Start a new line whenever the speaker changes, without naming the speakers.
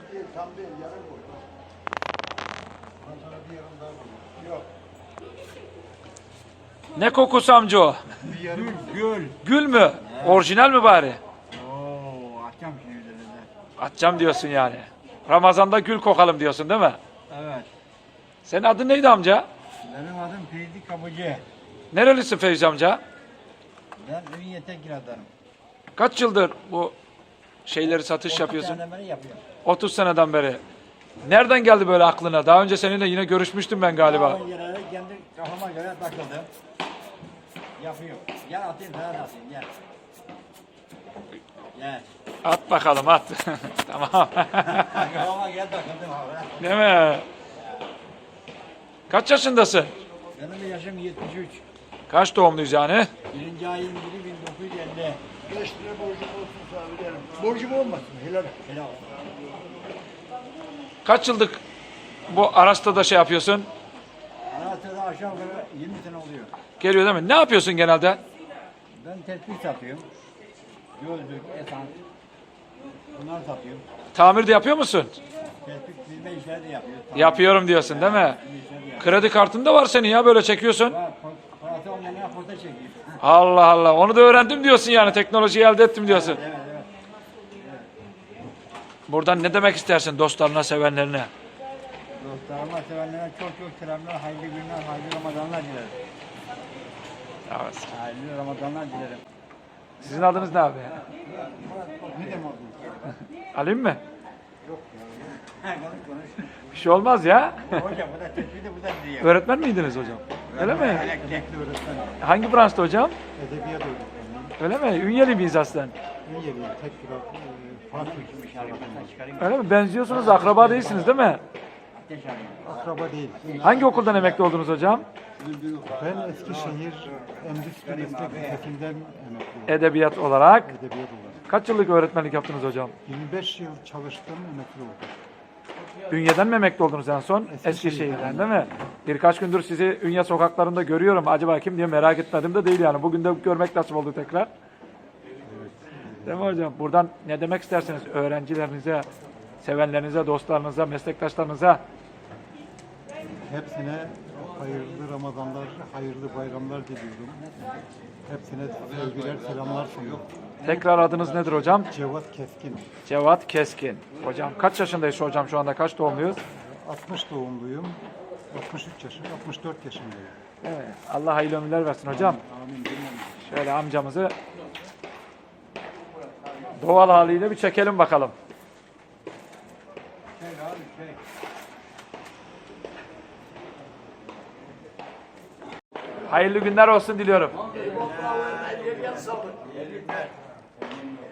değil, tam değil, yarım koy. Ben sana bir yarım daha koyayım. Yok.
Ne kokusu amca o?
Bir yarım. Gül.
Gül mü? Orijinal mi bari?
Oo, atacağım şimdi üzerine.
Atacağım diyorsun yani. Ramazan'da gül kokalım diyorsun değil mi?
Evet.
Senin adın neydi amca?
Benim adım Feyzi Kapıcı.
Nerelisin Feyzi amca?
Ben Ünye Tekirdağ'danım.
Kaç yıldır bu şeyleri satış yapıyorsun?
Beri yapıyorum.
30 seneden beri. Nereden geldi böyle aklına? Daha önce seninle yine görüşmüştüm ben galiba.
Ben yere kendi kafama göre takıldım. Yapıyorum. Gel atayım sana da atayım gel. Gel.
At bakalım at. Tamam.
Kafama gel takıldım abi.
Değil mi? Kaç yaşındasın?
Benim yaşım 73.
Kaç doğumluyuz yani?
1. ayın 1'i 1950. 5 lira borcum olsun sana veririm. Borcum olmasın. Helal. Helal.
Kaç yıllık bu araçta da şey yapıyorsun?
Anahtarda aşağı yukarı 20 sene oluyor.
Geliyor değil mi? Ne yapıyorsun genelde?
Ben tespih satıyorum. Gözlük, esans. Bunları satıyorum.
Tamir de yapıyor musun?
Tespih çizme işleri de yapıyoruz.
Yapıyorum diyorsun değil mi?
Çizme işleri de yapıyoruz.
Kredi kartın da var senin ya böyle çekiyorsun.
Parası olmayan porta çekiyor.
Allah Allah. Onu da öğrendim diyorsun yani. Teknolojiyi elde ettim diyorsun.
Evet evet.
Buradan ne demek istersin dostlarına, sevenlerine?
Dostlarıma, sevenlere çok çok selamlar, hayırlı günler, hayırlı Ramazanlar dilerim.
Evet.
Hayırlı Ramazanlar dilerim.
Sizin adınız ne abi?
Ne demek bu?
Alayım mı?
Konuş konuş.
Bir şey olmaz ya.
Hocam bu da tespih de bu da diyor.
Öğretmen miydiniz hocam? Öyle mi?
Emekli öğretmen.
Hangi branşta hocam?
Edebiyat öğretmeniyim.
Öyle mi? Ünyeli miyiz aslen?
Ünye'liyim, Tekirdağ, Fatih.
Öyle mi? Benziyorsunuz, akraba değilsiniz değil mi?
Akraba değil.
Hangi okuldan emekli oldunuz hocam?
Ben Eskişehir Endüstri Meslek Lisesi'nden emekliyim.
Edebiyat olarak.
Edebiyat olarak.
Kaç yıllık öğretmenlik yaptınız hocam?
25 yıl çalıştım, emekli oldum.
Ünye'den mi emekli oldunuz en son? Eskişehir'den değil mi? Birkaç gündür sizi Ünye sokaklarında görüyorum. Acaba kim diye merak etmedim de değil yani. Bugün de görmek nasip oldu tekrar. Değil mi hocam? Buradan ne demek istersiniz öğrencilerinize, sevenlerinize, dostlarınıza, meslektaşlarınıza?
Hepsine hayırlı Ramazanlar, hayırlı bayramlar diliyorum. Hepsine sevgiler, selamlar sunuyorum.
Tekrar adınız nedir hocam?
Cevat Keskin.
Cevat Keskin. Hocam kaç yaşındayız hocam şu anda? Kaç doğumluyuz?
60 doğumluyum. 63 yaşım, 64 yaşındayım.
Evet. Allah hayırlı ömürler versin hocam.
Amin.
Şöyle amcamızı doğal haliyle bir çekelim bakalım. Hayırlı günler olsun diliyorum.